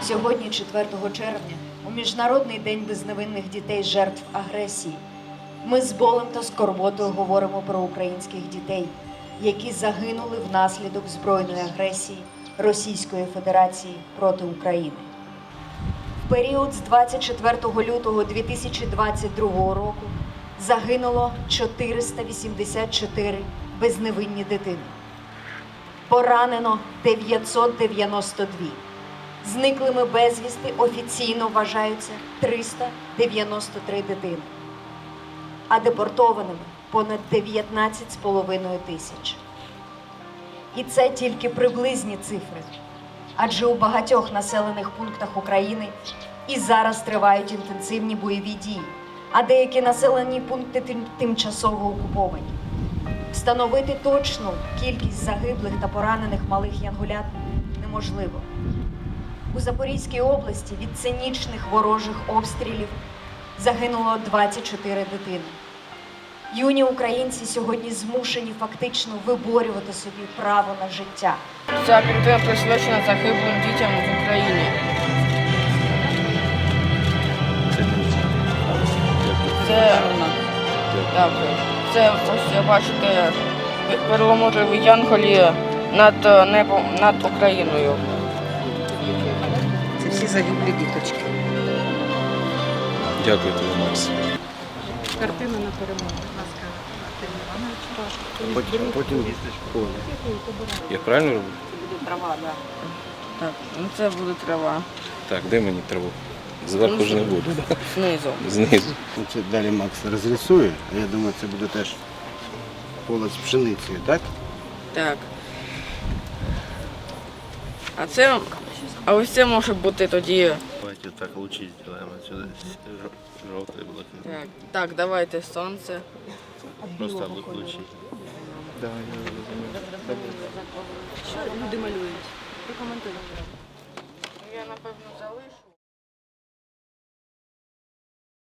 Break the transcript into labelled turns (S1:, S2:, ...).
S1: Сьогодні, 4 червня, у Міжнародний день безневинних дітей жертв агресії, ми з болем та скорботою говоримо про українських дітей, які загинули внаслідок збройної агресії Російської Федерації проти України. В період з 24 лютого 2022 року загинуло 484 безневинні дитини. Поранено 992. Зниклими безвісти офіційно вважаються 393 дитини, а депортованими понад 19,5 тисяч. І це тільки приблизні цифри, адже у багатьох населених пунктах України і зараз тривають інтенсивні бойові дії, а деякі населені пункти тимчасово окуповані. Встановити точну кількість загиблих та поранених малих янголят неможливо. У Запорізькій області від цинічних ворожих обстрілів загинуло 24 дитини. Юні українці сьогодні змушені фактично виборювати собі право на життя.
S2: Ця картина присвячена загиблим дітям в Україні. Це ось бачите перламутрові янголі над небом, над Україною.
S3: Це всі загиблі діточки.
S4: Дякую тобі, Макс.
S3: Картина на перемогу. Будь ласка, Артем Іванович.
S4: Потім я правильно роблю?
S3: Трава, так.
S2: Так, ну це буде трава.
S4: Так, де мені траву? Зверху ж не буде.
S2: Знизу.
S4: Знизу.
S5: Це далі Макс розрисує, а я думаю, це буде теж поле з пшеницею, так?
S2: Так. А ось це може бути тоді.
S6: Давайте так лучи сделаем отсюда. Желтые блоки.
S2: Так, давайте сонце.
S6: Просто лучи.
S3: Що люди малюють? Прокоментуйте.
S2: Я напевно залишу.